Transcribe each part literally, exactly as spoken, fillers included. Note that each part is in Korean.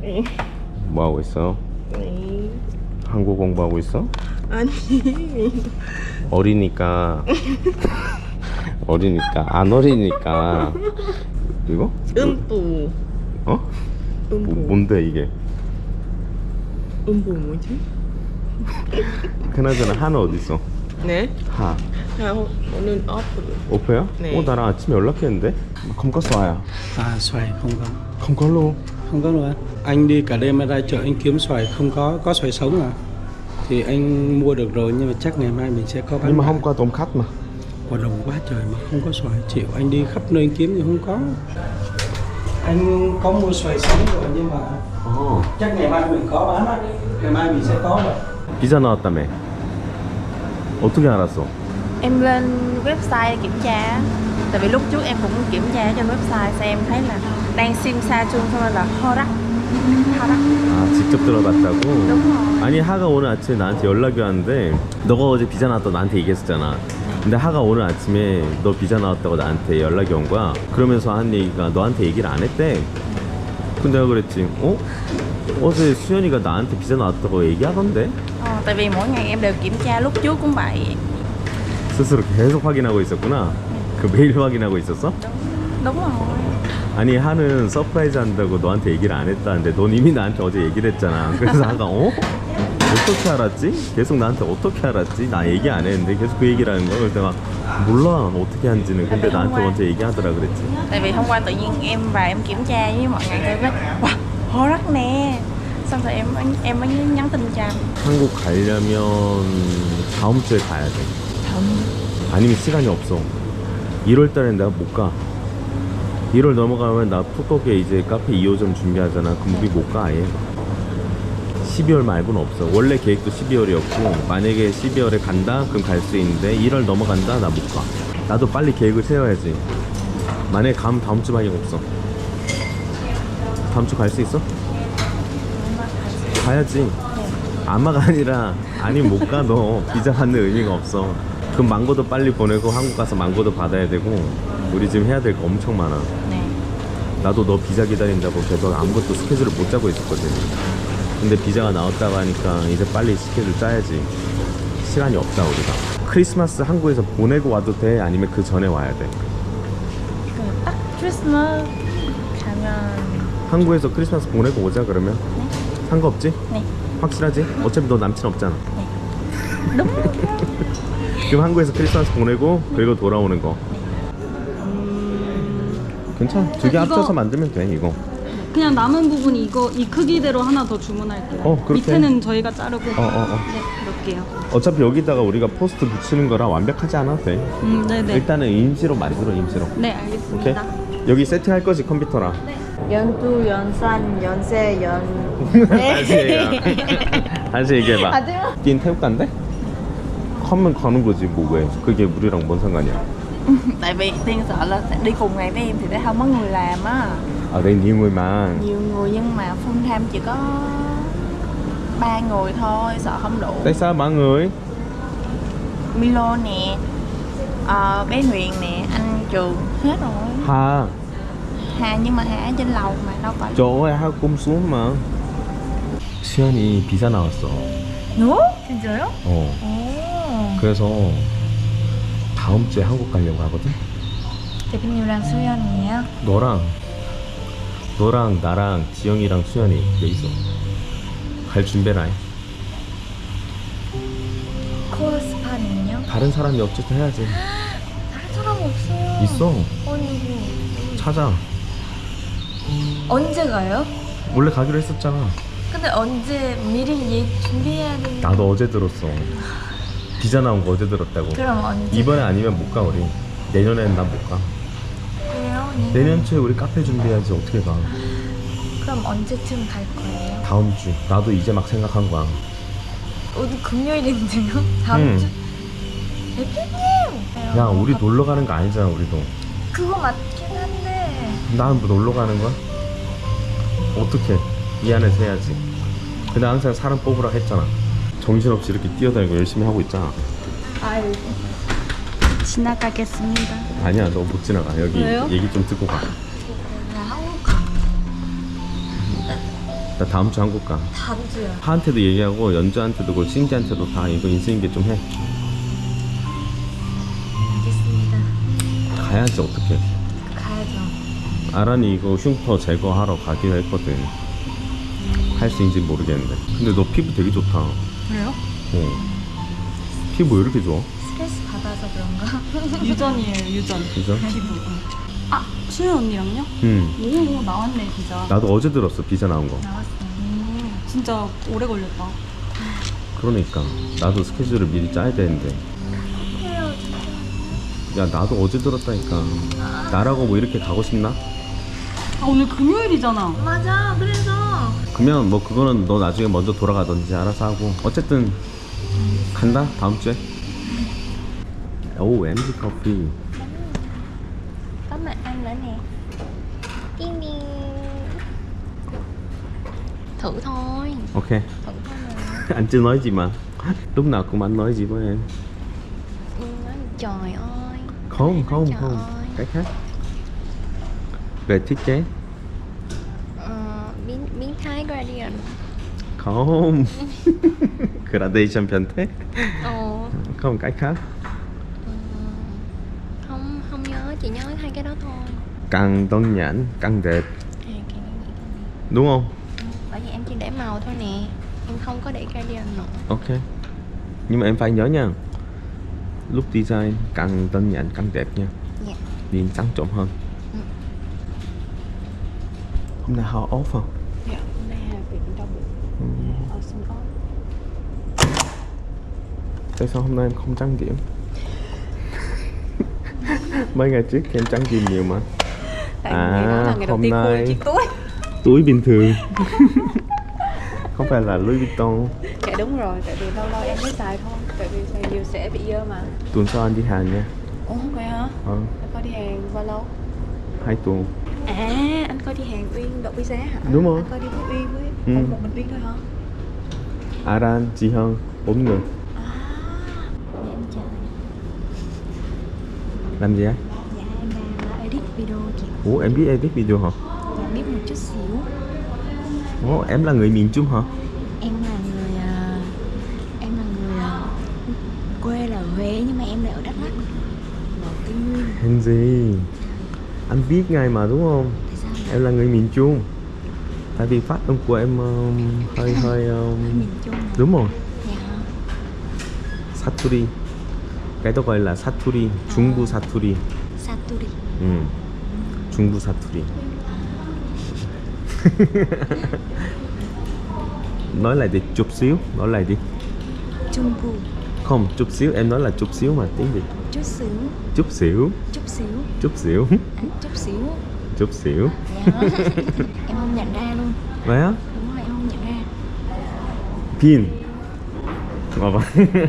응. 뭐 하고 있어? 네. 한국 공부하고 있어? 아니. 어리니까 어리니까 안 어리니까 이거? 음부. 어? 음부. 뭐, 뭔데 이게? 음부 뭐지? 그나저나 하는 어디 있어? 네? 하 아, 오늘 오프. 오페야? 네. 어 나랑 아침에 연락했는데 không có xoài à? À, xoài không có. không có luôn. Không có luôn á. Anh đi cả đêm ra chợ anh kiếm xoài không có, có xoài sống à? Thì anh mua được rồi nhưng mà chắc ngày mai mình sẽ có bán. Nhưng mà lại. hôm qua tôm khách mà. Quả đồng quá trời mà không có xoài. Chịu anh đi khắp nơi anh kiếm thì không có. Anh có mua xoài sống rồi nhưng mà 어. chắc ngày mai mình có bán á. Ngày mai mình sẽ có rồi. 비자 나왔다며. 어떻게 알았어? Em lên website kiểm tra. Tại vì lúc trước em cũng kiểm tra trên website xem em thấy là đang sim sa chung xong rồi là 허락. 허락. 아 직접 들어봤다고? đúng rồi. 아니 하가 오늘 아침에 나한테 연락이 왔는데 너가 어제 비자 나왔다고 나한테 얘기했었잖아. 근데 하가 오늘 아침에 너 비자 나왔다고 나한테 연락이 온 거야. 그러면서 한 얘기가 너한테 얘기를 안 했대. 근데 내가 그랬지 어? 어제 수연이가 나한테 비자 나왔다고 얘기하던데? Ờ, tại vì mỗi ngày em đều kiểm tra, lúc trước cũng vậy. 스스로 계속 확인하고 있었구나. 그 매일 확인하고 있었어? Đúng rồi. 아니 하는 서프라이즈 한다고 너한테 얘기를 안 했다는데 넌 이미 나한테 어제 얘기를 했잖아. 그래서 하가 어? 어떻게 알았지? 계속 나한테 어떻게 알았지? 나 얘기 안 했는데 계속 그 얘기를 하는 거야. 그래서 내가 몰라 어떻게 한지는. 근데 나한테 먼저 얘기하더라 그랬지. Tại vì hôm qua tự nhiên em vào em kiểm tra với mọi người em nói wow, 허락 nè. Xong rồi em em mới nhắn tin cho anh. 한국 가려면 다음 주에 가야 돼. 아니면 시간이 없어. 일월 달엔 내가 못 가. 일월 넘어가면 나 푸꾸옥에 이제 카페 이 호점 준비하잖아. 그럼 우리 못 가 아예. 십이월 말고는 없어. 원래 계획도 십이월이었고 만약에 십이월에 간다? 그럼 갈 수 있는데 일월 넘어간다? 나 못 가. 나도 빨리 계획을 세워야지. 만약에 가면 다음 주밖에 없어. 다음 주 갈 수 있어? 가야지. 아마가 아니라 아니면 못 가. 너 비자 받는 의미가 없어. 그럼 망고도 빨리 보내고 한국 가서 망고도 받아야 되고 우리 지금 해야 될 거 엄청 많아. 네. 나도 너 비자 기다린다고 계속 아무것도 스케줄을 못 짜고 있었거든. 근데 비자가 나왔다고 하니까 이제 빨리 스케줄 짜야지. 시간이 없다 우리가. 크리스마스 한국에서 보내고 와도 돼? 아니면 그 전에 와야 돼? 그 딱 크리스마스 가면 한국에서 크리스마스 보내고 오자 그러면? 네. 상관없지? 네. 확실하지? 어차피 너 남친 없잖아. 네. đúng rồi. 그럼 한국에서 크리스마스 보내고 그리고 돌아오는 거. 괜찮아. 두 개 이거- 합쳐서 만들면 돼 이거. 그냥 남은 부분 이거 이 크기대로 하나 더 주문할게요. 어, 그렇게 밑에는 저희가 자르고. 어, 어, 어. 네, 그럴게요. 어차피 여기다가 우리가 포스트 붙이는 거라 완벽하지 않아도 돼. 음, 네네. 일단은 임시로 만들어 임시로. 네, 오케이? 알겠습니다. 여기 세팅할 거지 컴퓨터랑. 연두, 연산, 연세, 연. 다시 얘기해. 다시 얘기해봐. 하지마. 닌 태국 간대? 하면 가는 거지 뭐 왜? 그게 우리랑 뭔 상관이야? Tại vì Tiên sợ là sẽ đi cùng ngày với em thì sẽ không có người làm á. 아, 내 님을 mang. Nhiều người nhưng mà full time chỉ có ba người thôi, sợ không đủ. Tại sao ba người? Milo nè, ờ, bé Huyền nè, anh Trường hết rồi. Hà. Hà nhưng mà Hà ở trên lầu mà đâu phải. 저 하고 꼼 xuống mà. 수연이 비자 나왔어. Nữa? 진짜요? 어. 오. 그래서 다음 주에 한국 가려고 하거든. 대표님이랑 수연이에요? 너랑 너랑 나랑 지영이랑 수연이 여기서 갈 준비를 해. 코스파는요? 다른 사람이 어쨌든 해야지. 다른 사람 없어요. 있어. 어이구. 찾아. 언제 가요? 원래 가기로 했었잖아. 근데 언제 미리 얘 준비해야 되는. 나도 어제 들었어. 비자 나온 거 어제 들었다고. 그럼 언제? 이번에 아니면 못 가 우리. 내년에는 난 못 가. 그래요? 내년 초에 우리 카페 준비해야지 어떻게 가. 그럼 언제쯤 갈 거예요? 다음 주. 나도 이제 막 생각한 거야. 오늘 금요일인데요? 다음 응. 주? 대표님! 야 우리 놀러 가는 거 아니잖아 우리도. 그거 맞긴 한데. 난 뭐 놀러 가는 거야? 어떻게? 이 안에서 해야지. 근데 항상 사람 뽑으라 했잖아. 정신없이 이렇게 뛰어다니고 열심히 하고 있잖아. 아유. 지나가겠습니다. 아니야 너 못 지나가. 여기 왜요? 얘기 좀 듣고 가. 나 한국 가. 나 다음 주 한국 가. 다음 주요. 파한테도 얘기하고 연주한테도 그렇고 신지한테도 다 이거 인수인계 좀 해. 알겠습니다. 가야지 어떡해. 가야죠. 아란이 이거 흉터 제거하러 가기로 했거든. 할 수 있는지 모르겠는데. 근데 너 피부 되게 좋다. 그래요? 어. 피부 왜 이렇게 좋아? 스트레스 받아서 그런가? 유전이에요, 유전. 진짜? 피부. 아, 수연 언니랑요? 응. 오, 나왔네, 비자. 나도 어제 들었어 비자 나온 거. 나왔어. 음, 진짜 오래 걸렸다. 그러니까 나도 스케줄을 미리 짜야 되는데. 야 나도 어제 들었다니까. 나라고 뭐 이렇게 가고 싶나? 아, 오늘 금요일이잖아. 맞아. 그래서 그러면 뭐 그거는 너 나중에 먼저 돌아가든지 알아서 하고. 어쨌든 간다 다음 주에. 오 엠지 커피. có mặt anh nữa nè. Yên đi. Thử thôi. Ok. Thử thôi mà. Anh chưa nói gì mà. Lúc nào cũng anh nói gì với em. Ừ, nói trời ơi. Không không Trời không. ơi. Cái khác. Về thiết kế. Ờ, biến biến thái gradient. Không. Gradation 변태? Ồ. Không cái khác. Ừ. Không không nhớ, chỉ nhớ hai cái đó thôi. Càng đơn giản càng đẹp. À, cái này vậy thôi. Đúng không? Ừ, bởi vì em chỉ để màu thôi nè. Em không có để gradient nữa. Ok. Nhưng mà em phải nhớ nha. Lúc design càng đơn giản càng đẹp nha. Dạ. Nhìn trắng trộm hơn. Ừ. Hôm nay họ off không? Dạ, hôm nay Hà bị đau bụng. Ừ. Ở sân ốp. Tại sao hôm nay em không trang điểm? Mấy ngày trước thì em trang điểm nhiều mà. Tại ngày đó là ngày đầu hôm tiên khui nay chiếc túi. túi bình thường. Không phải là Louis Vuitton. Dạ đúng rồi, tại vì lâu lâu em mới xài thôi. Tại vì xài nhiều sẽ bị dơ mà. Tuần sau anh đi Hàn nha. Ủa vậy hả? Ờ, Anh coi đi Hàn bao lâu? hai tuần. À, anh coi đi Hàn Uyên đậu Visa hả? Đúng rồi. Anh coi đi với Uyên với Ừ. một, một mình Uyên thôi hả? Aran, chị Hân, bốn người. À, để em chờ. Làm gì á? Dạ em đang edit video chị. Ủa em biết edit video hả? Dạ biết một chút xíu. Ủa em là người miền Trung hả? Em là người à, em là người à, quê là ở Huế nhưng mà em lại ở Đắk Lắk. Ở Tây Nguyên. Hèn gì? Anh biết ngay mà đúng không? Tại sao? Em là người miền Trung. Tại vì phát âm của em um, hơi hơi um, Miền Trung hả? đúng rồi. Dạ. 사투리. Cái đó gọi là 사투리. 중부 사투리. Saturi. Ừ. 중부 사투리. Nói lại đi chút xíu, nói lại đi. Trung Bộ. Không, chút xíu, em nói là chút xíu mà tiếng Việt. Chút xíu. Chút xíu, Chút xíu. chút xíu, À, chút xíu. chút xíu. Dạ. Em không nhận ra luôn. 왜요? Đúng rồi, em không nhận ra. 빈. 봐봐.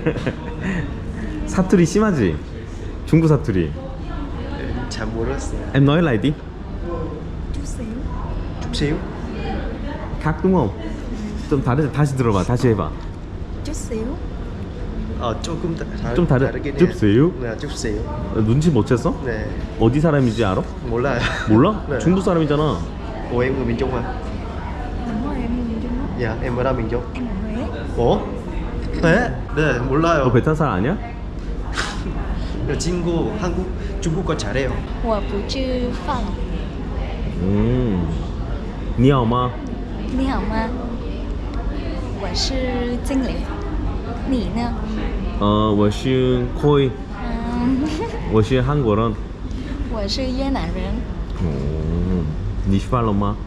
사투리 심하지? 중부 사투리. 잘 모르겠어요. Em nói lại đi. Chút xíu. chút xíu. khác đúng không? 좀 다르 다시 들어봐. 다시 해봐. Chút xíu. 어 조금 다, 다, 좀 다르- 다르긴 해요. chút xíu? 네, chút xíu. 어, 눈치 못 챘어? 네, 어디 사람인지 알아? 몰라요. 몰라? 네. 중부 사람이잖아. Ủa em người miền Trung hả? Đúng rồi, em người Trung Quốc. Dạ, em ở đâu miền Trung? Em ở Huế. 어? 네? 네, 너 몰라요. 베트남 사람 아니야? 저 친구 한국, 중국어 잘해요. 我不吃饭. 음. 니하오마. 你好吗？我是经理。你呢？ 어, 我是 코이. 嗯， 我是韩国人. 我是越南人。 오. 你吃饭了吗?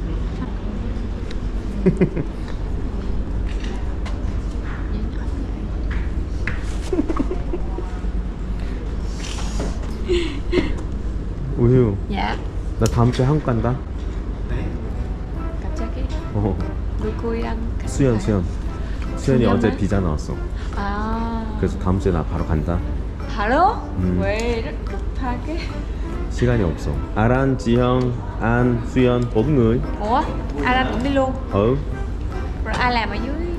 우유, Dạ. 나 다음 주에 한국 간다. 갑자기 어. 누구랑? 같이 수연, 가요? 수연. 수연이 수연아? 어제 비자 나왔어. 아. 그래서 다음 주에 나 바로 간다. 바로? 음. 왜 이렇게 급하게? 시간이 없어. 아란, 지형, 안, 수연, bốn người. Ủa? Ai ra cũng đi luôn? Ừ. Rồi ai làm ở dưới